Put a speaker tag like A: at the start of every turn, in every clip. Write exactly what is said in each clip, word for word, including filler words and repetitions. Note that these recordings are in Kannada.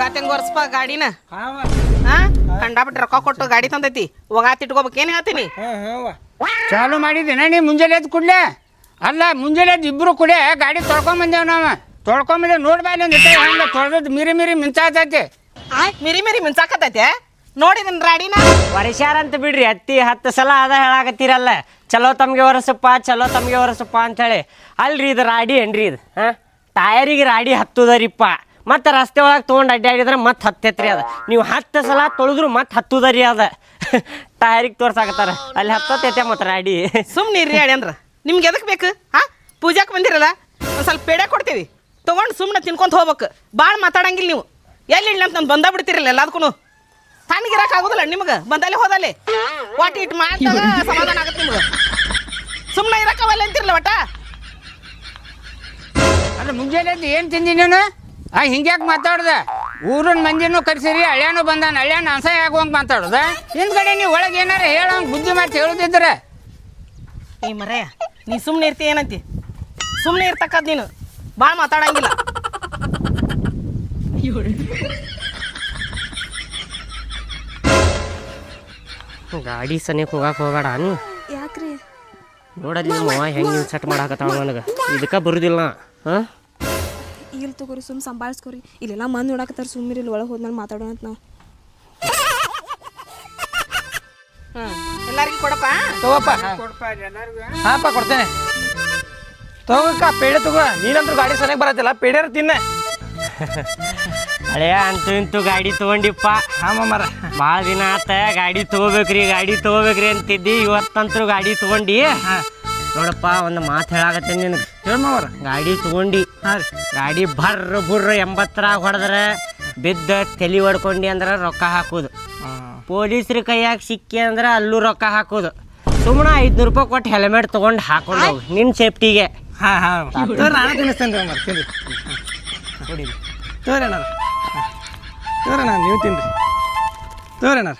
A: ಒಗಾತಂಗ ಒರ್ಸ್ಪ ಗಾಡಿನ ಹಾ ಕಂಡಾಬಿಟ್ಟು ರೊಕ್ಕ ಕೊಟ್ಟು ಗಾಡಿ ತಂದೈತಿ ಒಗಾತ್ ಇಟ್ಕೋಬೇಕೇನು ಹೇಳ್ತೀನಿ
B: ಚಾಲು ಮಾಡಿದ್ದೀನ ನೀ ಮುಂಜಾನೆ ಎದ್ದು ಕುಡ್ಲೆ ಅಲ್ಲ ಮುಂಜಾನೆ ಎದ್ದು ಇಬ್ರು ಕುಡಿಯ ಗಾಡಿ ತೊಳ್ಕೊಂಬಂದೇವ್ ನಾವು ತೊಳ್ಕೊಂಬಂದೇವ್ ನೋಡ್ಬಾಯಿ ನಂದಿಟ್ಟೆ ಹಂಗೆ ತೊಳೆದದ್ದು ಮಿರಿ ಮಿರಿ ಮಿಂಚಾತೈತಿ
A: ಮಿರಿ ಮಿರಿ ಮಿಂಚಾಕತೈತೆ ನೋಡಿದನ್ ರಾಡಿನ
C: ವರ್ಷಾರ ಅಂತ ಬಿಡ್ರಿ ಹತ್ತಿ ಹತ್ತು ಸಲ ಅದ ಹೇಳಾಕತ್ತೀರಲ್ಲ ಚಲೋ ತಮಗೆ ಒರೆಸಪ್ಪ ಚಲೋ ತಮಗೆ ಒರೆಸಪ್ಪ ಅಂಥೇಳಿ ಅಲ್ರಿ ಇದು ರಾಡಿ ಏನ್ರಿ ಇದು ಹಾಂ ಟಯರಿಗೆ ರಾಡಿ ಹತ್ತುದರಿಪ್ಪ ಮತ್ತು ರಸ್ತೆ ಒಳಗೆ ತೊಗೊಂಡು ಅಡ್ಡಾಡಿದ್ರೆ ಮತ್ತೆ ಹತ್ತೈತ್ರಿ ಅದು ನೀವು ಹತ್ತು ಸಲ ತೊಳೆದ್ರು ಮತ್ತೆ ಹತ್ತುದರಿ ಅದ ಟಯರಿಗೆ ತೋರ್ಸಾಕತ್ತಾರ ಅಲ್ಲಿ ಹತ್ತೈತೆ ಮತ್ತು ರಾಡಿ
A: ಸುಮ್ಮನೆ ಇರ್ರಿ ಹೇಳಿ ಅಂದ್ರ ನಿಮ್ಗೆ ಎದಕ್ಕೆ ಬೇಕು ಹಾಂ ಪೂಜಾಕ್ಕೆ ಬಂದಿರಲ್ಲ ಒಂದು ಸ್ವಲ್ಪ ಪೇಡೆ ಕೊಡ್ತೀವಿ ತೊಗೊಂಡು ಸುಮ್ಮನೆ ತಿನ್ಕೊಂತ ಹೋಗ್ಬೇಕು ಭಾಳ ಮಾತಾಡಂಗಿಲ್ಲ ನೀವು ಎಲ್ಲಿ ಇಲ್ಲ ಅಂತ ನಾನು ಬಂದ ಬಿಡ್ತಿರಲ್ಲ ಎಲ್ಲದಕ್ಕೂ ತಣ್ಣಗಿರಕ್ಕೆ ಆಗೋದಿಲ್ಲ ನಿಮ್ಗೆ ಬಂದಲ್ಲಿ ಹೋದಲ್ಲಿ ವಾಟ್ ಇಟ್ ಮಾಡ್ದಾಗ ಸಮಾಧಾನ ಆಗುತ್ತೆ ನಿಮ್ಗೆ ಸುಮ್ಮನೆ ಇರಕ್ಕವಲ್ಲ ಅಂತಿರಲ್ಲ ಒಟ್ಟ
B: ಅಲ್ಲ ಮುಂಜಾನೆ ಎದ್ದು ಏನು ತಿಂದಿ ನೀನು ಆ ಹಿಂಗ್ಯಾಕೆ ಮಾತಾಡ್ದೆ ಊರಿನ ಮಂದಿನೂ ಕರ್ಸಿರಿ ಹಳ್ಯಾನು ಬಂದಾನ ಹಳ್ಯಾನ ಅಸಹ್ಯ ಆಗುವಂಗೆ ಮಾತಾಡೋದ ಹಿಂದ್ಗಡೆ ನೀವು ಒಳಗೆ ಏನಾರ ಹೇಳೋಂಗೆ ಬುದ್ಧಿ ಮಾತು ಹೇಳೋದಿದ್ರೆ
A: ಏ ಮರೆಯ ನೀ ಸುಮ್ಮನೆ ಇರ್ತಿ ಏನಂತಿ ಸುಮ್ಮನೆ ಇರ್ತಕ್ಕದ್ ನೀನು ಭಾಳ ಮಾತಾಡಂಗಿಲ್ಲ
C: ಗಾಡಿ ಸನಿಯಕ್ಕೆ ಹೋಗಕ್ಕೆ ಹೋಗಬೇಡ ಅನ್ನು
D: ಯಾಕ್ರಿ
C: ನೋಡಲ್ಲಿ ನಿಮ್ಮ ಹೆಂಗೆ ಸೆಟ್ ಮಾಡಾಕತ್ತಾವ ನನಗೆ ಇದಕ್ಕೆ ಬರುದಿಲ್ಲ ಹಾಂ
D: ಇಲ್ಲಿ ತಗೋರಿ ಸುಮ್ ಸಂಭಾಳಿಸ್ಕೋರಿ ಇಲ್ಲೆಲ್ಲ ಮಂದಿ ನೋಡಕತ್ತಾರ ಸುಮ್ಮನೆ ಇಲ್ಲಿ ಒಳಗೆ ಹೋದ್ಮೇಲೆ ಮಾತಾಡೋಣ ಅಂತ ನಾವು
A: ಹ್ಞೂ ಎಲ್ಲರಿಗೂ ಕೊಡಪ್ಪ
E: ತಗೋಪ್ಪ ಹಾಪ ಕೊಡ್ತೇನೆ ತಗೋಕ್ಕ ಪೇಡೆ ತಗೋ ನೀನಂದ್ರೂ ಗಾಡಿ ಸರಿಯಾಗಿ ಬರತ್ತಿಲ್ಲ ಪೇಡೆರ ತಿನ್ನ
C: ಹಳೆಯ ಅಂತೂ ಇಂತೂ ಗಾಡಿ ತೊಗೊಂಡಿಪ್ಪ
E: ಹಾಂ ಮರ
C: ಭಾಳ ದಿನ ಆತ ಗಾಡಿ ತೊಗೋಬೇಕ್ರಿ ಗಾಡಿ ತೊಗೋಬೇಕ್ರಿ ಅಂತಿದ್ದಿ ಇವತ್ತಂತೂ ಗಾಡಿ ತೊಗೊಂಡು ನೋಡಪ್ಪ ಒಂದು ಮಾತು ಹೇಳಾಕತ್ತೇನೆ ನಿನಗೆ
E: ಹೇಳ್ಮವ್ರ
C: ಗಾಡಿ ತೊಗೊಂಡು
E: ಹಾಂ ರೀ
C: ಗಾಡಿ ಬರ್ರ ಬುರ್ರ ಎಂಬತ್ತರಾಗ ಹೊಡೆದ್ರೆ ಬಿದ್ದ ತಲೆ ಹೊಡ್ಕೊಂಡು ಅಂದ್ರೆ ರೊಕ್ಕ ಹಾಕೋದು ಪೊಲೀಸ್ರ ಕೈಯಾಗ ಸಿಕ್ಕಿ ಅಂದ್ರೆ ಅಲ್ಲೂ ರೊಕ್ಕ ಹಾಕೋದು ಸುಮ್ಮನೆ ಐದುನೂರು ರೂಪಾಯಿ ಕೊಟ್ಟು ಹೆಲ್ಮೆಟ್ ತೊಗೊಂಡು ಹಾಕೊಂಡು ಹೋಗಿ ನಿನ್ನ ಸೇಫ್ಟಿಗೆ
E: ಹಾಂ ಹಾಂ ತೋರಿ ನಾನು ತಿನ್ನಿಸ್ತೇನೆ ರೀ ಮರ ತಿನ್ರಿ ಕೊಡಿ ತೋರಿ ಅಣ್ಣಾರ ತೋರಿ ಅಣ್ಣ ನೀವು ತಿನ್ರಿ ತೋರಿ ಅಣ್ಣಾರ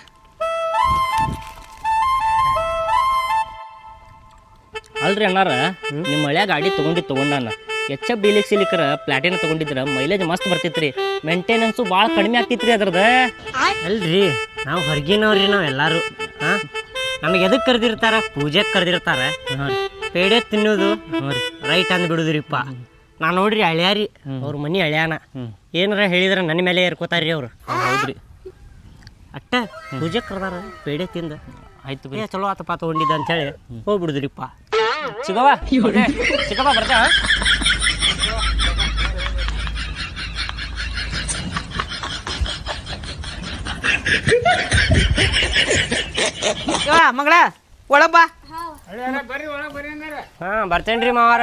F: ಅಲ್ರಿ ಅಣ್ಣಾರ ನಿಮ್ಮ ಹಳ್ಯಾ ಗಾಡಿ ತೊಗೊಂಡು ತೊಗೊಂಡಾನ ಎಚ್ ಎಫ್ ಡಿಲಿಕ್ಸ್ ಇಲಿಕ್ರ ಪ್ಲಾಟಿನ ತೊಗೊಂಡಿದ್ರೆ ಮೈಲೇಜ್ ಮಸ್ತ್ ಬರ್ತೈತ್ರಿ ಮೇಂಟೆನೆನ್ಸು ಭಾಳ ಕಡಿಮೆ ಆಗ್ತೈತ್ರಿ ಅದ್ರದ
C: ಅಲ್ರಿ ನಾವು ಹೊರಗಿನವ್ರಿ ನಾವು ಎಲ್ಲರೂ ಹಾಂ ನಮಗೆ ಎದಕ್ಕೆ ಕರೆದಿರ್ತಾರ ಪೂಜೆಗೆ ಕರೆದಿರ್ತಾರ ಪೇಡೆ ತಿನ್ನೋದು ರೈಟ್ ಅಂದ್ ಬಿಡುದ್ರಿಪ್ಪ ನಾ ನೋಡ್ರಿ ಹಳ್ಯಾರಿ ಅವ್ರ ಮನೆ ಹಳ್ಯಾನ ಏನಾರ ಹೇಳಿದ್ರೆ ನನ್ನ ಮೇಲೆ ಏರ್ಕೋತಾರ್ರಿ ಅವ್ರು
F: ಹೌದ್ರಿ
C: ಅಟ್ಟ ಪೂಜೆಗೆ ಕರೆದಾರ ಪೇಡೆ ತಿಂದ ಆಯ್ತು ಬೇ ಚಲೋ ಆತಪ್ಪ ತೊಗೊಂಡಿದ್ದ ಅಂತೇಳಿ ಹೋಗ್ಬಿಡುದ್ರಿಪ್ಪ
F: ಚಿಗವ ಚಿಕ್ಕಪ್ಪ ಬರ್ತಾ
A: ಮಗಳ ಒಳಗ್ ಬಾ
B: ಬರ್ರಿ ಒಳಗೆ ಬರ್ರಿ ಅಂದ್ರೆ
C: ಹಾಂ ಬರ್ತೇನ್ರಿ ಮಾವಾರ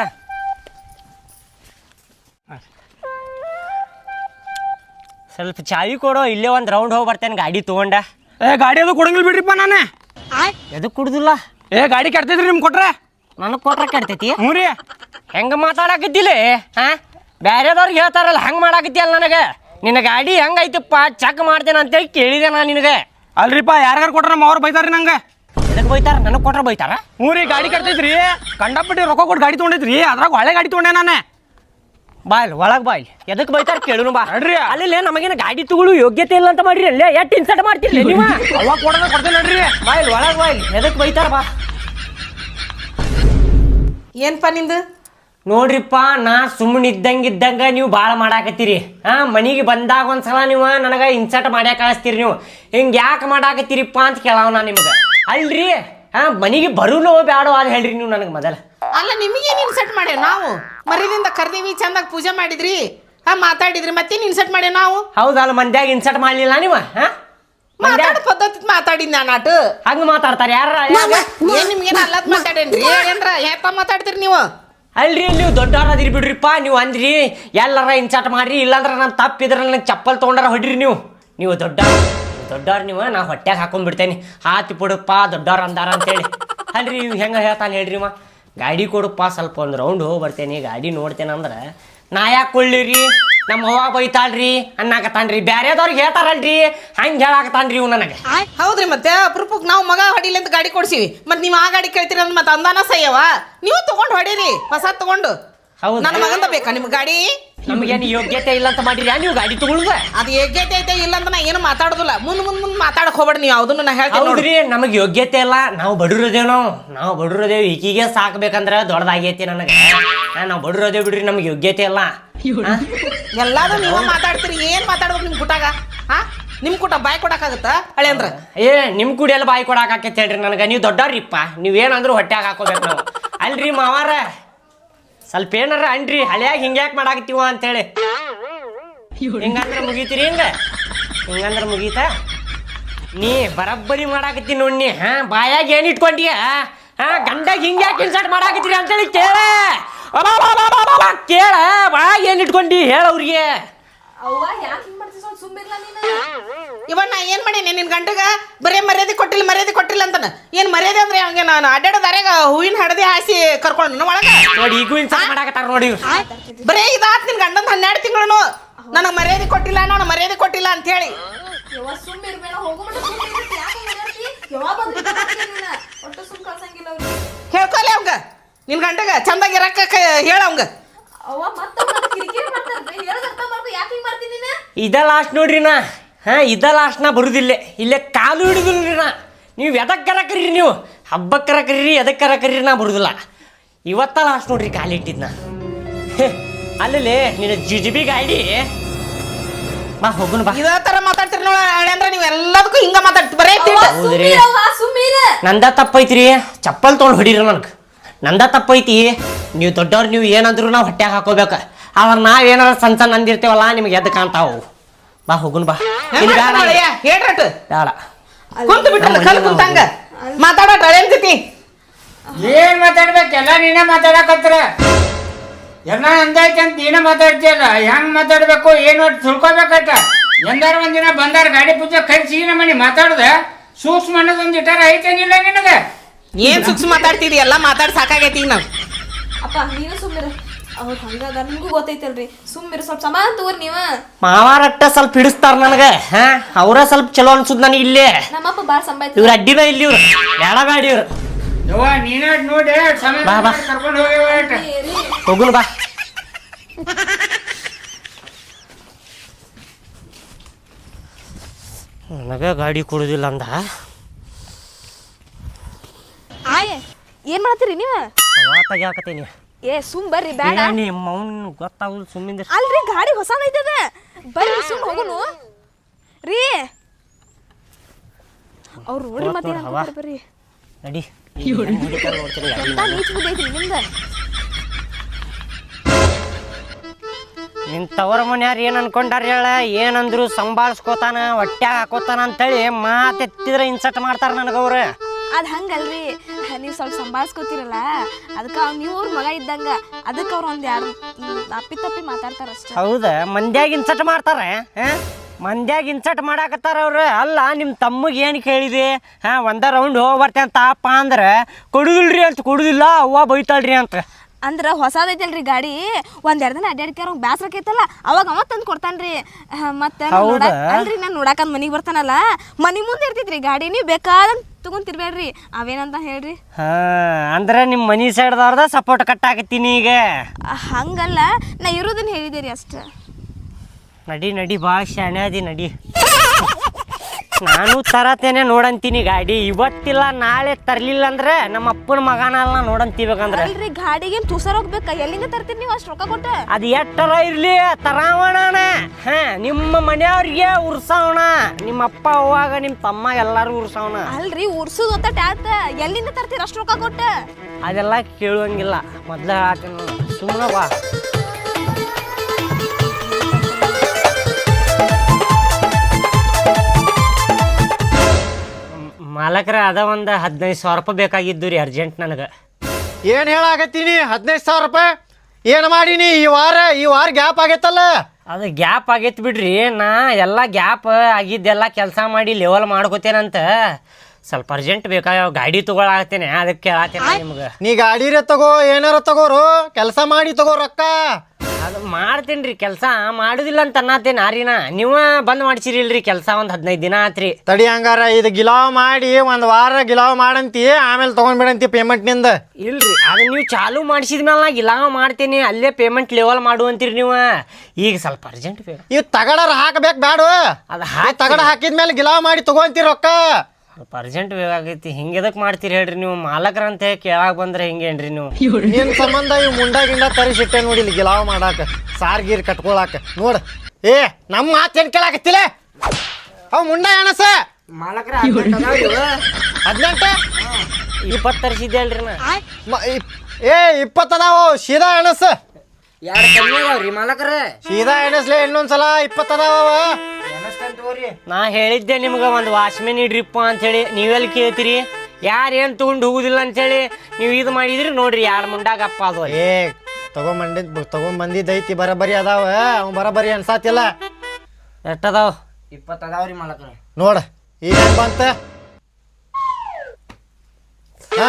C: ಸ್ವಲ್ಪ ಚಾವಿ ಕೊಡೋ ಇಲ್ಲೇ ಒಂದು ರೌಂಡ್ ಹೋಗಿ ಬರ್ತೇನೆ ಗಾಡಿ ತೊಗೊಂಡ
E: ಏ ಗಾಡಿ ಅದು ಕೊಡಂಗಿಲ್ಲ ಬಿಡ್ರಿಪ್ಪ ನಾನು
C: ಎದಕ್ಕೆ ಕುಡ್ದಿಲ್ಲ
E: ಏ ಗಾಡಿ ಕೆಡ್ತೈತ್ರಿ ನಿಮ್ಗೆ ಕೊಟ್ರೆ
C: ನನಗೆ ಕೊಟ್ರೆ ಕೆಡ್ತೈತಿ
E: ಹ್ಞೂ ರೀ
C: ಹೆಂಗೆ ಮಾತಾಡಕತ್ತಿಲ್ಲ ಹಾಂ ಬೇರೆದವ್ರಿಗೆ ಹೇಳ್ತಾರಲ್ಲ ಹೆಂಗೆ ಮಾಡಾಕತ್ತಿಯಲ್ಲ ನನಗೆ ನಿನ್ನ ಗಾಡಿ ಹೆಂಗೈತಪ್ಪ ಚೆಕ್ ಮಾಡ್ತೇನೆ ಅಂತೇಳಿ ಕೇಳಿದೆ ನಾನು ನಿನಗೆ
E: ಅಲ್ರಿಪ್ಪ ಯಾರ್ಯಾರು ಕೊಟ್ರೆ ನಮ್ಮ ಅವ್ರು ಬೈತಾರ್ರಿ ನಂಗೆ
C: ಎದಕ್ಕೆ ಬೈತಾರ ನನಗೆ ಕೊಟ್ರೆ ಬೈತಾರ
E: ಹ್ಞೂ ರೀ ಗಾಡಿ ಕೆಡ್ತೈತ್ರಿ ಕಂಡಪಟ್ಟಿ ರೊಕ್ಕ ಕೊಟ್ಟು ಗಾಡಿ ತೊಗೊಂಡೈತ್ರಿ ಅದ್ರಾಗ ಹಳೆ ಗಾಡಿ ತೊಗೊಂಡೆ ನಾನು
C: ಬಾಯ್ಲ್ ಒಳಗೆ ಬಾಯ್ಲ್ ಎದಕ್ಕೆ ಬೈತಾರ ಕೇಳುನು ಬಾ
E: ನಡ್ರಿ
C: ಅಲ್ಲಿ ನಮಗೇನು ಗಾಡಿ ತಗೊಳ್ಳು ಯೋಗ್ಯತೆ ಇಲ್ಲ ಅಂತ ಮಾಡ್ರಿ ಅಲ್ಲೇ ಎಷ್ಟು ಇನ್ಸರ್ಟ್ ಮಾಡ್ತಿಲ್ಲ ನೀವು
E: ಅವಾಗ ಕೊಡೋದ ಕೊಡ್ತೇನೆ ನಡ್ರಿ
C: ಬಾಯ್ಲ್ ಒಳಗೆ ಬಾಯ್ಲ್ ಎದಕ್ಕೆ ಬೈತಾರ ಬಾ
A: ಏನಪ್ಪ ನಿಂದು
C: ನೋಡ್ರಿಪ್ಪ ನಾ ಸುಮ್ಮನೆ ಇದ್ದಂಗೆ ಇದ್ದಂಗೆ ನೀವು ಭಾಳ ಮಾಡಾಕತ್ತೀರಿ ಹಾಂ ಮನೆಗೆ ಬಂದಾಗ ಒಂದ್ಸಲ ನೀವು ನನಗೆ ಇನ್ಸರ್ಟ್ ಮಾಡ್ಯಾಕ ಕಳಿಸ್ತೀರಿ ನೀವು ಹಿಂಗೆ ಯಾಕೆ ಮಾಡಾಕತ್ತೀರಿಪ್ಪ ಅಂತ ಕೇಳವ ನಾ ನಿಮ್ಗೆ ಅಲ್ರಿ ಹಾಂ ಮನೆಗೆ ಬರುನೋ ಬ್ಯಾಡೋ ಅದು ಹೇಳ್ರಿ ನೀವು ನನಗೆ ಮೊದಲು
A: ಅಲ್ಲ ನಿಮಗೇನು ಇನ್ಸರ್ಟ್ ಮಾಡ್ಯಾವ ನಾವು ಮರಿದಿಂದ ಕರ್ದೀವಿ ಚಂದಾಗ ಪೂಜೆ ಮಾಡಿದ್ರಿ ಹಾ ಮಾತಾಡಿದ್ರಿ ಮತ್ತೇನು ಇನ್ಸರ್ಟ್ ಮಾಡ್ಯಾವ ನಾವು
C: ಹೌದಲ್ಲ ಮಂದ್ಯಾಗ ಇನ್ಸರ್ಟ್ ಮಾಡಲಿಲ್ಲ ನೀವು ಹಾಂ
A: ಮಾತಾಡ ಪದ್ಧತಿ ಮಾತಾಡಿದ್ ನಾನು ಆಟು
C: ಹಂಗೆ ಮಾತಾಡ್ತಾರೆ ಯಾರ
A: ಏನ್ ನಿಮ್ಗೇನು ಅಲ್ಲದ್ ಮಾತಾಡೇನ್ರಿ ಏನ್ರ ಯಾಕ ಮಾತಾಡ್ತೀರಿ ನೀವು
C: ಅಲ್ರಿ ನೀವು ದೊಡ್ಡವ್ರ ಅದಿರಿ ಬಿಡ್ರಿಪ್ಪ ನೀವು ಅಂದ್ರಿ ಎಲ್ಲಾರ ಇನ್ಸರ್ಟ್ ಮಾಡ್ರಿ ಇಲ್ಲಾಂದ್ರೆ ನಾನು ತಪ್ಪಿದ್ರೆ ನನಗೆ ಚಪ್ಪಲ್ ತೊಗೊಂಡಾರ ಹೊಡ್ರಿ ನೀವು ನೀವು ದೊಡ್ಡ ದೊಡ್ಡವ್ರು ನೀವು ನಾ ಹೊಟ್ಟೆಗೆ ಹಾಕೊಂಡ್ಬಿಡ್ತೇನೆ ಹಾತಿ ಬಿಡಪ್ಪ ದೊಡ್ಡವ್ರು ಅಂದಾರ ಅಂತೇಳಿ ಅಲ್ರಿ ನೀವು ಹೆಂಗೆ ಹೇಳ್ತಾನೆ ಹೇಳ್ರಿ ಮಾ ಗಾಡಿ ಕೊಡಪ್ಪ ಸ್ವಲ್ಪ ಒಂದು ರೌಂಡ್ ಹೋಗಿ ಬರ್ತೇನೆ ಗಾಡಿ ನೋಡ್ತೇನೆ ಅಂದ್ರೆ ನಾ ಯಾಕೆ ಕೊಳ್ಳಿರಿ ನಮ್ಮ ಅವ್ವ ಬೈತಾಳ್ರಿ ಅನ್ನಾಕತ್ತಾನ್ರಿ ಬ್ಯಾರೆದವ್ರಿಗೆ ಹೇಳ್ತಾರಲ್ರಿ ಹಂಗೆ ಹೇಳಾಕತ್ತಾನ್ರಿ ಇವ್ ನನಗೆ
A: ಹೌದ್ರಿ ಮತ್ತೆ ಅಪರೂಪಕ್ಕೆ ನಾವು ಮಗ ಹೊಡಿಲಿ ಅಂತ ಗಾಡಿ ಕೊಡ್ಸಿವಿ ಮತ್ತೆ ನೀವು ಆ ಗಾಡಿ ಕೇಳ್ತೀರಿ ಅಂದ್ರೆ ಮತ್ತೆ ಅಂದಾನ ಸಯ್ಯವ ನೀವು ತಗೊಂಡು ಹೊಡೀರಿ ಹೊಸ ತಗೊಂಡು
C: ಹೌದು
A: ನನ್ನ ಮಗಂದ ಬೇಕಾ ನಿಮ್ಗೆ ಗಾಡಿ
C: ನಮಗೇನು ಯೋಗ್ಯತೆ ಇಲ್ಲ ಅಂತ ಮಾಡಿರಿ ನೀವು ಗಾಡಿ ತಗೊಳುದ
A: ಅದು ಯೋಗ್ಯತೆ ಐತೆ ಇಲ್ಲ ಅಂತ ನಾ ಏನು ಮಾತಾಡೋದಿಲ್ಲ ಮುಂದ್ ಮುಂದ್ ಮುಂದ್ ಮಾತಾಡಕ್ ಹೋಗ್ಬೇಡಿ ನೀವು ಯಾವುದನ್ನು ನಾ ಹೇಳ್ತೀನಿ ನೋಡ್ರಿ.
C: ಹೌದ್ರಿ ನಮಗೆ ಯೋಗ್ಯತೆ ಇಲ್ಲ, ನಾವು ಬಡವ್ರದೇವ್ ನಾವು ನಾವು ಬಡವ್ರದೇವ್ ಈಗೀಗೆ ಸಾಕ್ಬೇಕಂದ್ರ ದೊಡ್ಡದಾಗೈತಿ ನನಗೆ. ನಾವು ಬಡವ್ರದೇವ್ ಬಿಡ್ರಿ, ನಮ್ಗೆ ಯೋಗ್ಯತೆ ಇಲ್ಲ.
A: ಎಲ್ಲಾರು ನೀವ ಮಾತಾಡ್ತೀರಿ, ಏನ್ ಮಾತಾಡ್ಬೇಕು ನಿಮ್ ಕುಟಾಗ? ಹಾ ನಿಮ್ ಕುಟ ಬಾಯ್ ಕೊಡಕ್ಕಾಗತ್ತ ಹಳೆ ಅಂದ್ರ?
C: ಏ ನಿಮ್ ಕುಡಿ ಎಲ್ಲ ಬಾಯಿ ಕೊಡಾಕ ಆಕೈತಿ ಹೇಳ್ರಿ ನನಗೆ. ನೀವು ದೊಡ್ಡವ್ರಿಪ್ಪ, ನೀವೇನಂದ್ರು ಹೊಟ್ಯಾಗ ಹಾಕೋಬೇಕು ನಾವು. ಅಲ್ರಿ ಮಾವಾರ ಸ್ವಲ್ಪ ಏನಾರ ಅನ್ರಿ, ಹಳೆಯಾಗಿ ಹಿಂಗ್ಯಾಕ್ ಮಾಡಾಕತ್ತೀವ ಅಂತೇಳಿ. ಹಿಂಗಂದ್ರ ಮುಗೀತೀರಿ? ಹಿಂಗ ಹಿಂಗಂದ್ರ ಮುಗೀತಾ? ನೀ ಬರಬ್ಬರಿ ಮಾಡಾಕತ್ತೀನಿ ನೋಡಿ. ಹಾ ಬಾಯಾಗ ಏನ್ ಇಟ್ಕೊಂಡ್ಯ? ಹಾ ಗಂಡಾಗ ಹಿಂಗ್ಯಾಕೆ ಇನ್ಸರ್ಟ್ ಮಾಡಾಕತ್ತೀರಿ ಅಂತೇಳಿ ಕೇಳ ಕೇಳ ಬಾಯಾಗ ಏನ್ ಇಟ್ಕೊಂಡಿ ಹೇಳ ಅವ್ರಿಗೆ.
D: ಅವ್ವ ಯಾಕೆ ಹಿಂಗ್ ಮಾಡ್ತೀವಿ? ಸ್ವಲ್ಪ ಸುಮ್ಮಿರ್ಲ ನೀನು.
A: ಇವನ್ ನಾ ಏನ್ ಮಾಡೀನಿ ನಿನ್ ಗಂಡಗ? ಬರೇ ಮರ್ಯಾದೆ ಕೊಟ್ಟಿಲ್ಲ ಮರ್ಯಾದೆ ಕೊಟ್ಟಿಲ್ಲ ಅಂತಾನ. ಏನ್ ಮರ್ಯಾದೆ ಅಂದ್ರೆ ಹಂಗೆ ನಾನು ಅಡ್ಡಾಡದಾರ್ಯಾಗ ಹೂವಿನ ಹಡದಿ ಹಾಸಿ ಕರ್ಕೊಂಡು ಒಳಗ
C: ನೋಡಿ ಈಗೂ ಇನ್ಸರ್ಟ್ ಮಾಡಾಕತ್ತಾರ ನೋಡಿ.
A: ಬರೇ ಇದಾತ್ ನಿನ್ ಗಂಡಂದ ಹನ್ನೆರಡು ತಿಂಗಳು ನನಗ್ ಮರ್ಯಾದೆ ಕೊಟ್ಟಿಲ್ಲ ನಾನು ಮರ್ಯಾದೆ ಕೊಟ್ಟಿಲ್ಲ ಅಂತ ಹೇಳಿ.
D: ಯವ್ವ ಸುಮ್ಮಿರ್ಬೇಡ, ಹೋಗೋ ಮಟ್ಟ ಸುಮ್ಮಿರ್ತಿ. ಯಾಕೆ ಹಿಂಗ್ ಮಾಡ್ತಿ? ಯವ್ವ ಬಂದು ನೀನ ಒಟ್ಟು ಸುಮ್ ಕಳ್ಸಂಗಿಲ್ಲ ಅವ್ರಿಗೆ.
A: ಹೇಳ್ಕೊಲೆ ಅವಂಗ ನಿನ್ ಗಂಡಗ ಚಂದಾಗಿ ಇರಕ್ಕ ಹೇಳ ಅವಂಗ.
D: ಅವ್ವ ಮತ್ತ ಅವ್ನ ಕಿರಿಕಿರಿ ಮಾಡ್ತಾರ್ರಿ. ಹೇಳೋದ್ ಅರ್ಥ ಮಾಡ್ಕೊ. ಯಾಕೆ ಹಿಂಗ್ ಮಾಡ್ತೀನಿ ನೀನು?
C: ಇದ ಲಾಸ್ಟ್ ನೋಡ್ರಿ ನಾ. ಹಾ ಇದ ಲಾಸ್ಟ್ ನಾ ಬರುದಿಲ್ಲ ಇಲ್ಲೇ ಕಾಲು ಹಿಡಿದಿಲ್ರಿ ನಾ. ನೀವು ಎದಕ್ಕರ ಕರೀರಿ, ನೀವು ಹಬ್ಬಕ್ಕರ ಕರೀರಿ, ಎದಕ್ಕರ ಕರೀರಿ, ನಾ ಬರುದಿಲ್ಲ. ಇವತ್ತ ಲಾಸ್ಟ್ ನೋಡ್ರಿ ಕಾಲಿಟ್ಟಿದ್ನ. ಅಲ್ಲಿ ನಿನ್ನ ಜಿಜಿಬಿ ಗಾಡಿ ಬಾ ಹೋಗುನ್ ಬಾ.
A: ಇದ ತರ ಮಾತಾಡ್ತೀರಿ ನೋಡ ಹಳೆ ಅಂದ್ರೆ ನೀವು ಎಲ್ಲದಕ್ಕೂ ಹಿಂಗ ಮಾತಾಡ್ತಿ ಬರೇ ತಿಂಡ.
C: ಹೌದ್ರಿ
D: ಸುಮ್ಮಿರವ್ವ ಸುಮ್ಮಿರ.
C: ನಂದ ತಪ್ಪೈತ್ರಿ, ಚಪ್ಪಲ್ ತೊಗೊಂಡು ಹೊಡೀರಿ ನನಗೆ. ನಂದ ತಪ್ಪೈತಿ. ನೀವು ದೊಡ್ಡವ್ರು, ನೀವು ಏನಂದ್ರು ನಾವು ಹೊಟ್ಯಾಗ ಹಾಕೋಬೇಕು. ಆದ್ರೆ ನಾವೇನಾರ ಸಣ್ಣ ಸಣ್ಣ ಅಂದಿರ್ತೇವಲ್ಲ ನಿಮ್ಗೆ ಎದ್ದು ಕಾಣ್ತಾವು. ಬಾ ಹೋಗುನ್ ಬಾ. ಇಲ್ಲಿ ಬೇಡ
A: ಹೇಳ್ರಟ್
C: ಬೇಡ
A: ಕುಂತ ಬಿಟ್ಟ ಕಲ್ ಕುಂತಂಗ ಮಾತಾಡೋಟ ಹಳೆ ಅನ್ಸತಿ.
B: ಏನ್ ಮಾತಾಡ್ಬೇಕು? ಎಲ್ಲ ನೀನೇ ಮಾತಾಡಕತ್ರ. ಎಲ್ಲ ಅಂದೈತೆ ಅಂತ ನೀನೇ ಮಾತಾಡ್ತೀಯಲ್ಲ. ಹೆಂಗ್ ಮಾತಾಡ್ಬೇಕು ಏನು ತಿಳ್ಕೊಬೇಕಟ್ಟ. ಎಂದಾರ ಒಂದಿನ ಬಂದಾರ ಗಾಡಿ ಪೂಜೆ ಕರ್ಸಿ ನಮ್ಮ ಮನೆ ಮಾತಾಡ್ದ ಸೂಕ್ಷ್ಮ ಅನ್ನೋದೊಂದು ಇಟ್ಟಾರ ಐತೇನಿಲ್ಲ ನಿನಗೆ?
A: ಏನ್ ಸೂಕ್ಷ್ಮ ಮಾತಾಡ್ತಿದಿ? ಎಲ್ಲ ಮಾತಾಡ್ ಸಾಕಾಗೈತಿ ಈಗ ನಾವು.
D: ಅಪ್ಪ ನೀನು ಸುಮ್ಮಿರ. ಅವ್ರು ಹಂಗದ ನಿಮ್ಗೂ ಗೊತ್ತೈತಲ್ರಿ. ಸುಮ್ಮಿರ, ಸ್ವಲ್ಪ ಸಮಾನ ತಗೋರಿ ನೀವ.
C: ಮಾವಾರಟ್ಟ ಸ್ವಲ್ಪ ಹಿಡಿಸ್ತಾರ ನನಗೆ. ಹಾ ಅವ್ರ ಸ್ವಲ್ಪ ಚಲೋ ಅನ್ಸುದ್ ನನಗೆ. ಇಲ್ಲೇ
D: ನಮ್ಮಪ್ಪ ಬಾಳ ಸಂಬಾಯ್ತು.
C: ಇವ್ರ ಅಡ್ಡಿನ ಇಲ್ಲಿ ಇವ್ರು ಬೇಡ ಬೇಡ ಇವ್ರು.
B: ಯವ್ವ ನೀನ ನೋಡಿ ಸಮಯ
C: ಬಾ, ಬಾ.
B: ಕರ್ಕೊಂಡು ಹೋಗಿ
C: ಹೋಗುನ್ ಬಾ. ನನಗ ಗಾಡಿ ಕೊಡುದಿಲ್ಲ ಅಂದ.
D: ಆಯ್ ಏನ್ ಮಾಡ್ತೀರಿ ನೀವ?
C: ತೆಗಿಯಾಕತ್ತೀನಿ.
D: ಏ ಸುಮ್ ಬರ್ರಿ, ಬೇಡ.
C: ನಿಮ್ಮ ಮೌನ್ ಗೊತ್ತಾಗುದು ಸುಮ್ಮಿಂದ.
D: ಅಲ್ರಿ ಗಾಡಿ ಹೊಸದೈತದ. ಬರ್ರಿ ಸುಮ್ ಹೋಗುನು ರೀ. ಅವ್ರು ನೋಡ್ರಿ ಮತ್ತೆ ಏನ್ ಅನ್ಕೊಂತಾರ್ ಬರ್ರಿ.
C: ನಡಿ
D: ಎಂತ ನೀಚ್ ಬುದ್ಧಿ ಐತ್ರಿ ನಿಮ್ದ.
C: ನಿನ್ ತವರ ಮನ್ಯಾರ ಏನ್ ಅನ್ಕೊಂಡಾರ ಹೇಳ? ಏನಂದ್ರು ಸಂಭಾಳ್ಸ್ಕೋತಾನ ಹೊಟ್ಯಾಗ ಹಾಕೋತಾನ ಅಂತೇಳಿ ಮಾತೆತ್ತಿದ್ರೆ ಇನ್ಸರ್ಟ್ ಮಾಡ್ತಾರ ನನಗವ್ರ.
D: ಅದ್ ಹಂಗಲ್ರಿ, ನೀವು ಸ್ವಲ್ಪ ಸಂಭಾಳ್ಸ್ಕೊತಿರಲ್ಲ ಅದಕ್ಕೆ ಅವ್ನು ನೀವು ಅವ್ರ ಮಗ ಇದ್ದಂಗ. ಅದಕ್ಕೆ ಅವ್ರು ಒಂದ್ ಎರಡು ತಪ್ಪಿ ತಪ್ಪಿ ಮಾತಾಡ್ತಾರ ಅಷ್ಟೇ.
C: ಹೌದ? ಮಂದ್ಯಾಗ ಇನ್ಸರ್ಟ್ ಮಾಡ್ತಾರ. ಮಂದ್ಯಾಗ ಇನ್ಸರ್ಟ್ ಮಾಡಾಕತ್ತಾರ ಅವ್ರು. ಅಲ್ಲ ನಿಮ್ಮ ತಮ್ಮಗೆ ಏನು ಕೇಳಿದೆ? ಹಾ ಒಂದ ರೌಂಡ್ ಹೋಗಿ ಬರ್ತೇನೆ ತಾಪ ಅಂದ್ರೆ ಕೊಡುದಿಲ್ರಿ ಅಂತ. ಕೊಡುದಿಲ್ಲ ಅವ್ವ ಬೈತಾಳ್ರಿ ಅಂತ.
D: ಅಂದ್ರೆ ಹೊಸದೈತಲ್ರಿ ಗಾಡಿ, ಒಂದ್ ಎರಡು ದಿನ ಅಡ್ಡಾಡ್ಕ್ಯಾರ ಅವ್ನು ಬ್ಯಾಸ್ರಕೈತಲ್ಲ ಅವಾಗ ಅವ ತಂದು ಕೊಡ್ತಾನ್ರಿ. ಮತ್ತೆ ಅಲ್ರಿ ನಾನು ನೋಡಾಕಂದ್ ಮನಿಗೆ ಬರ್ತಾನಲ್ಲ, ಮನಿ ಮುಂದೆ ಇರ್ತೈತ್ರಿ ಗಾಡಿ. ನೀವು ಬೇಕಾದಂತ ತಗೊಂತಿರ್ಬೇಡ್ರಿ. ಅವೇನಂತ ಹೇಳ್ರಿ.
C: ಹಾ ಅಂದ್ರೆ ನಿಮ್ಮ ಮನಿ ಸೈಡ್ದವ್ರದ ಸಪೋರ್ಟ್ ಕಟ್ಟಾಕತ್ತೀನಿ ಈಗ.
D: ಹಂಗಲ್ಲ, ನಾ ಇರೋದನ್ನ ಹೇಳಿದೆ ರೀ ಅಷ್ಟ.
C: ನಡಿ ನಡಿ ಭಾಳ ಶಾಣೆ ಅದಿ ನಡಿ. ನಾನು ತರತೇನೆ ನೋಡಂತೀನಿ ಗಾಡಿ. ಇವತ್ತಿಲ್ಲ ನಾಳೆ ತರ್ಲಿಲ್ಲ ಅಂದ್ರೆ ನಮ್ಮ ಅಪ್ಪನ ಮಗನಲ್ಲ ನೋಡಂತೀಬೇಕಂದ್ರೆ.
D: ಅಲ್ರಿ ಗಾಡಿಗೆ ತುಸರ್ ಹೋಗ್ಬೇಕ, ಎಲ್ಲಿಂದ ತರ್ತೀರಿ ನೀವು ಅಷ್ಟು ರೊಕ್ಕ ಕೊಟ್ಟ?
C: ಅದು ಎಷ್ಟರ ಇರ್ಲಿ ತರಾವಣ. ಹಾ ನಿಮ್ಮ ಮನೆಯವ್ರಿಗೆ ಉರ್ಸವಣ. ನಿಮ್ಮ ಅಪ್ಪ ಅವ್ವಾಗ ನಿಮ್ಮ ತಮ್ಮ ಎಲ್ಲಾರು ಉರ್ಸವಣ.
D: ಅಲ್ರಿ ಉರ್ಸುದ್ ಒತ್ತ ಟ್ಯಾತ್ ಎಲ್ಲಿಂದ ತರ್ತೀರಿ ಅಷ್ಟು ರೊಕ್ಕ ಕೊಟ್ಟ?
C: ಅದೆಲ್ಲ ಕೇಳುವಂಗಿಲ್ಲ. ಮೊದ್ಲ ಹಾಕ್ತೀನಿ ಸುಮ್ಮನೆ ಬಾ. ಮಾಲಕರ ಅದ ಒಂದು ಹದಿನೈದು ಸಾವಿರ ರೂಪಾಯಿ ಬೇಕಾಗಿದ್ದು ರೀ ಅರ್ಜೆಂಟ್ ನನಗೆ.
E: ಏನು ಹೇಳಾಕತ್ತೀನಿ? ಹದಿನೈದು ಸಾವಿರ ರೂಪಾಯಿ ಏನು ಮಾಡೀನಿ ಈ ವಾರ? ಈ ವಾರ ಗ್ಯಾಪ್ ಆಗೈತಲ್ಲ.
C: ಅದು ಗ್ಯಾಪ್ ಆಗೈತೆ ಬಿಡ್ರಿ. ನಾ ಎಲ್ಲ ಗ್ಯಾಪ್ ಆಗಿದ್ದೆಲ್ಲ ಕೆಲಸ ಮಾಡಿ ಲೆವೆಲ್ ಮಾಡ್ಕೋತೇನಂತ ಸ್ವಲ್ಪ ಅರ್ಜೆಂಟ್ ಬೇಕಾಗ ಗಾಡಿ ತೊಗೊಳಾಗ್ತೇನೆ. ಅದಕ್ಕೆ ಕೇಳಾತೇನೆ ನಿಮ್ಗೆ.
E: ನೀ ಗಾಡಿರೇ ತಗೋ, ಏನಾರ ತಗೋರು, ಕೆಲಸ ಮಾಡಿ ತಗೋ ರೊಕ್ಕ.
C: ಅದು ಮಾಡ್ತೀನಿ ರೀ ಕೆಲಸ ಮಾಡುದಿಲ್ಲ ಅಂತ ಅನ್ನತ್ತೇನೆ ಆರಿನ ನೀವ ಬಂದ್ ಮಾಡ್ಸಿರಿಲ್ರಿ ಕೆಲಸ ಒಂದ್ ಹದಿನೈದು ದಿನ ಆತ್ರಿ.
G: ತಡಿ ಹಂಗಾರ ಇದು ಗಿಲಾವ್ ಮಾಡಿ ಒಂದ್ ವಾರ ಗಿಲಾವ್ ಮಾಡಂತಿ ಆಮೇಲೆ ತಗೊಂಡ್ಬಿಡಂತಿ ಪೇಮೆಂಟ್ ನಿಂದ.
C: ಇಲ್ರಿ ಅದು ನೀವು ಚಾಲು ಮಾಡಿಸಿದ್ಮೇಲೆ ನಾ ಇಲ್ಲ ಮಾಡ್ತೀನಿ ಅಲ್ಲೇ ಪೇಮೆಂಟ್ ಲೆವೆಲ್ ಮಾಡು ಅಂತೀರಿ ನೀವು. ಈಗ ಸ್ವಲ್ಪ ಅರ್ಜೆಂಟ್ ಬೇಕು.
G: ಇವ್ ತಗಡರ ಹಾಕಬೇಕು ಬ್ಯಾಡ.
C: ಅದು
G: ಹಾಕಿ ತಗಡ ಹಾಕಿದ್ಮೇಲೆ ಗಿಲಾವ್ ಮಾಡಿ ತಗೊಂತೀರಿ ರೊಕ್ಕ.
C: ಸ್ವಲ್ಪ ಅರ್ಜೆಂಟ್ ಬೇಕಾಗೈತಿ. ಹಿಂಗೆ ಎದಕ್ ಮಾಡ್ತೀರಿ ಹೇಳ್ರಿ ನೀವು? ಮಾಲಕರ ಅಂತ ಹೇಳಿ ಕೇಳಾಕ್ ಬಂದ್ರೆ ಹಿಂಗೇನ್ರಿ ನೀವು?
G: ನಿನ್ ಸಂಬಂಧ ಇವ್ ಮುಂಡ ಗಿಂಡ ತರಿಸಿಟ್ಟೆ ನೋಡಿಲ್ಲ ಗಿಲಾವ್ ಮಾಡಾಕ ಸಾರ್ ಗೀರ್ ಕಟ್ಕೊಳಾಕ ನೋಡ. ಏ ನಮ್ಮ ಮಾತೇನ್ ಕೇಳಾಕತ್ತಿಲ್ಲ ಅವ್ ಮುಂಡ ಎಣಸ
C: ಮಾಲಕರ
G: ಹದಿನೆಂಟು
C: ಇಪ್ಪತ್ತು ತರಿಸಿದ್ದೆ ಅಲ್ರಿ ನಾ.
G: ಮ- ಇಪ್- ಏ ಇಪ್ಪತ್ತದಾವ ಸೀದಾ ಎಣಸ
C: ಎರಡು ಕಮ್ಮಿ ಅದಾವ್ರಿ ಮಾಲಕರ.
G: ಸೀದಾ ಎಣಸ್ಲೆ ಇನ್ನೊಂದ್ಸಲ ಇಪ್ಪತ್ತದಾವ.
C: ನಾ ಹೇಳಿದ್ದೆ ನಿಮ್ಗೆ ಒಂದು ವಾಚ್ಮೆನ್ ಇಡ್ರಿಪ್ಪ ಅಂತೇಳಿ ನೀವೆಲ್ಲಿ ಕೇಳ್ತೀರಿ? ಯಾರು ಏನು ತಗೊಂಡು ಹೋಗುದಿಲ್ಲ ಅಂತೇಳಿ ನೀವು ಇದು ಮಾಡಿದ್ರಿ ನೋಡ್ರಿ ಎರಡು ಮುಂಡಾಗ ಅಪ್ಪ ಅದು.
G: ಏ ತಗೊಂಬಂದಿದ್ ತಗೊಂಬಂದಿದ್ದೈತಿ ಬರಬರಿ ಅದಾವ ಅವ್ ಬರಬರಿ ಅನ್ಸಾತಿಲ್ಲ.
C: ಎಷ್ಟದಾವ?
B: ಇಪ್ಪತ್ತು ಅದಾವ್ರಿ ಮಾಲಕರ.
G: ನೋಡ ಈಗ ಹೆಂಗ್ ಬಂತ ಹಾ?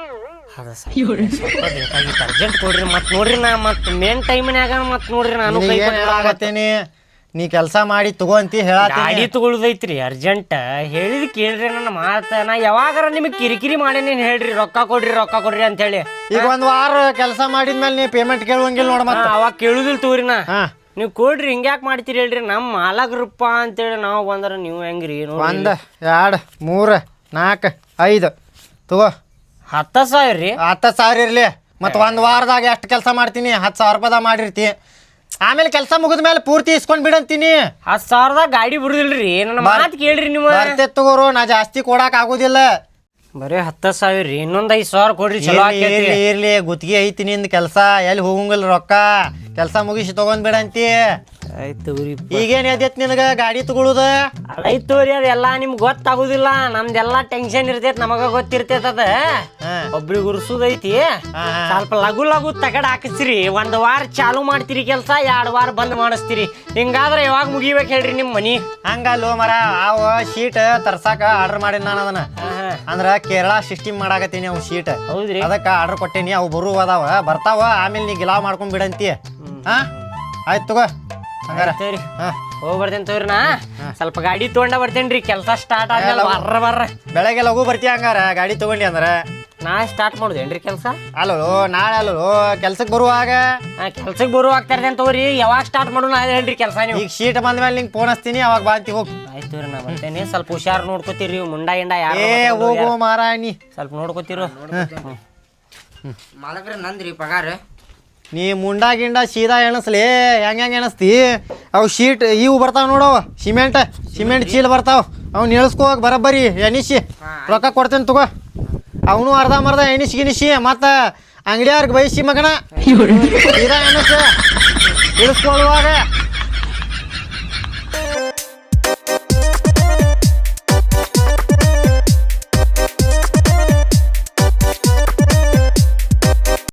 C: ಅರ್ಜೆಂಟ್ ಕೊಡ್ರಿ ಮತ್ ನೋಡ್ರಿ ನಾ ಮತ್ ಮೇನ್ ಟೈಮ್ನ್ಯಾಗ ಮತ್ ನೋಡ್ರಿ ನಾನು ಕೈ
G: ಏನ್ ಹೇಳಾಕತ್ತೀನಿ ನೀ ಕೆಲಸ ಮಾಡಿ ತಗೋಂತಿ ಹೇಳತ್ತೀನಿ.
C: ಗಾಡಿ ತಗೊಳ್ದೈತ್ರಿ ಅರ್ಜೆಂಟ್ ಹೇಳಿದ್ ಕೇಳ್ರಿ ನನ್ನ ಮಾತ. ನಾ ಯಾವಾಗಾರ ನಿಮಗೆ ಕಿರಿಕಿರಿ ಮಾಡೇನಿ ಹೇಳ್ರಿ ರೊಕ್ಕ ಕೊಡ್ರಿ ರೊಕ್ಕ ಕೊಡ್ರಿ ಅಂತ ಹೇಳಿ.
G: ಈಗ ಒಂದ್ ವಾರ ಕೆಲಸ ಮಾಡಿದ್ಮೇಲೆ ನೀ ಪೇಮೆಂಟ್ ಕೇಳುವಂಗಿಲ್ಲ ನೋಡ ಮತ್ತ.
C: ಅವಾಗ ಕೇಳುದಿಲ್ಲ ತಗೋರಿ ನಾ.
G: ಹಾ
C: ನೀವು ಕೊಡ್ರಿ ಹಿಂಗ್ಯಾಕ್ ಮಾಡ್ತೀರಿ ಹೇಳ್ರಿ? ನಮ್ಮ ಮಾಲಗ್ರಪ್ಪ ಅಂತೇಳಿ ನಾವು ಬಂದ್ರ ನೀವು ಹೆಂಗ್ರಿ?
G: ಒಂದ್ ಎರಡ್ ಮೂರ್ ನಾಲ್ಕು ಐದು ತಗೋ
C: ಹತ್ತ ಸಾವಿರ ರೀ.
G: ಹತ್ತ ಸಾವಿರ ಇರ್ಲಿ. ಮತ್ ಒಂದ್ ವಾರದಾಗ ಎಷ್ಟು ಕೆಲಸ ಮಾಡ್ತೀನಿ? ಹತ್ತು ಸಾವಿರ ರೂಪಾಯಿದಾಗ ಮಾಡಿರ್ತಿ. ಆಮೇಲೆ ಕೆಲಸ ಮುಗಿದ ಮೇಲೆ ಪೂರ್ತಿ ಇಸ್ಕೊಂಡ್ ಬಿಡಂತೀನಿ.
C: ಹತ್ತು ಸಾವಿರದಾಗ ಗಾಡಿ ಬಿಡುದಿಲ್ರಿ. ನನ್ನ ಮಾತು ಕೇಳ್ರಿ ನೀವು.
G: ಬರ್ತೇ ತಗೋರು ನಾ ಜಾಸ್ತಿ ಕೊಡಾಕ್ ಆಗುದಿಲ್ಲ.
C: ಬರೀ ಹತ್ತ ಸಾವಿರ ರೀ. ಇನ್ನೊಂದ್ ಐದ್ ಸಾವಿರ ಕೊಡ್ರಿ ಚಲೋ ಆಕೇತಿ.
G: ಇರ್ಲಿ ಇರ್ಲಿ ಗುತ್ತಿಗೆ ಐತಿ ನಿಂದ ಕೆಲಸ ಎಲ್ಲಿ ಹೋಗಂಗಿಲ್ಲ ರೊಕ್ಕ. ಕೆಲಸ ಮುಗಿಸಿ ತಗೊಂಡ್ ಬಿಡಂತಿ.
C: ಆಯ್ತು ರೀ.
G: ಈಗೇನ್ ಎದ್ದೈತಿ ನಿನಗ ಗಾಡಿ ತಗೊಳುದ?
C: ಆಯ್ತು ತೋರಿ ಅದೆಲ್ಲ ನಿಮ್ಗೆ ಗೊತ್ತಾಗುದಿಲ್ಲ. ನಮ್ದೆಲ್ಲಾ ಟೆನ್ಷನ್ ಇರ್ತೈತಿ ನಮಗ ಗೊತ್ತಿರ್ತೈತ. ಅದ ಒಬ್ರಿಗೆ ಉರ್ಸುದೈತಿ. ಸ್ವಲ್ಪ ಲಘು ಲಘು ತಗಡ್ ಹಾಕಿಸ್ರಿ. ಒಂದ್ ವಾರ ಚಾಲು ಮಾಡ್ತೀರಿ ಕೆಲಸ, ಎರಡ್ ವಾರ ಬಂದ್ ಮಾಡಿಸ್ತೀರಿ. ಹಿಂಗಾದ್ರೆ ಯಾವಾಗ ಮುಗಿಬೇಕು ಹೇಳ್ರಿ ನಿಮ್ ಮನಿ?
G: ಹಂಗಲ್ಲೋ ಮರ ಅವ ಶೀಟ್ ತರ್ಸಾಕ ಆರ್ಡರ್ ಮಾಡಿನ ನಾನು ಅದನ್ನ. ಅಂದ್ರ ಕೇರಳ ಸಿಸ್ಟಮ್ ಮಾಡಾಕತ್ತೀನಿ ಅವ್ ಶೀಟ್.
C: ಹೌದ್ರಿ.
G: ಅದಕ್ಕ ಆರ್ಡರ್ ಕೊಟ್ಟೇನಿ. ಅವು ಬರು ಅದಾವ ಬರ್ತಾವ. ಆಮೇಲೆ ನೀ ಗಿಲಾವ್ ಮಾಡ್ಕೊಂಡ್ ಬಿಡಂತಿ. ಹಾ ಆಯ್ತು ತಗೋ ಹಂಗಾರ.
C: ಸರಿ
G: ಹಾ
C: ಹೋಗಿ ಬರ್ತೇನೆ ತೋರಿ. ನಾ ಸ್ವಲ್ಪ ಗಾಡಿ ತಗೊಂಡ ಬರ್ತೇನ್ರಿ. ಕೆಲಸ ಸ್ಟಾರ್ಟ್ ಆದ್ಮೇಲೆ ಬರ್ರ ಬರ್ರ
G: ಬೆಳಗ್ಗೆ ಲಘು ಬರ್ತೀಯ ಹಂಗಾರ ಗಾಡಿ ತಗೊಂಡಿ ಅಂದ್ರ.
C: ನಾ ಸ್ಟಾರ್ಟ್ ಮಾಡುದೇನ್ರಿ ಕೆಲಸ?
G: ಅಲ್ಲೋ ನಾಳೆ ಅಲ್ಲೋ ಕೆಲ್ಸಕ್ಕೆ ಬರುವಾಗ.
C: ಕೆಲ್ಸಕ್ಕೆ ಬರುವ ಆಗ್ತಾ ಇರ್ತೇನೆ ತಗೋರಿ. ಯಾವಾಗ ಸ್ಟಾರ್ಟ್ ಮಾಡೋಣ ಹೇಳ್ರಿ ಕೆಲಸ ನೀವು?
G: ಈಗ ಶೀಟ್ ಬಂದ್ಮೇಲೆ ನಿಂಗೆ ಫೋನ್ ಹಚ್ತೀನಿ ಅವಾಗ ಬಾಂತಿ ಹೋಗಿ.
C: ಆಯ್ತು ರೀ ನಾ ಬರ್ತೇನೆ. ಸ್ವಲ್ಪ ಹುಷಾರ್ ನೋಡ್ಕೋತೀರಿ. ಮುಂಡ ಗಿಂಡ ಯಾರು
G: ಏ ಹೋಗು ಮಾರಾಣಿ
C: ಸ್ವಲ್ಪ ನೋಡ್ಕೋತೀರು.
B: ಮಾಲಕರ ನಂದ್ರಿ ಪಗಾರ.
G: ನೀ ಮುಂಡಾ ಗಿಂಡ ಸೀದಾ ಎಣಸ್ಲಿ. ಹೆಂಗ ಹೆಂಗ ಎಣಸ್ತಿ? ಅವು ಶೀಟ್ ಇವು ಬರ್ತಾವ ನೋಡವ ಸಿಮೆಂಟ್ ಸಿಮೆಂಟ್ ಚೀಲ ಬರ್ತಾವ. ಅವ್ನು ಎಣಸ್ಕೋವಾಗ ಬರಬ್ಬರಿ ಎಣಿಸಿ ರೊಕ್ಕ ಕೊಡ್ತೇನೆ ತಗೋ. ಅವನು ಅರ್ಧ ಮರ್ಧ ಎಣಿಸಿ ಗಿಣಿಸಿ ಮತ್ತ ಅಂಗಡಿಯವ್ರಿಗೆ ಬಯಸಿ ಮಗನ ಸೀದಾ ಎಣಸ ಇಳಿಸ್ಕೊಳ್ಳುವಾಗ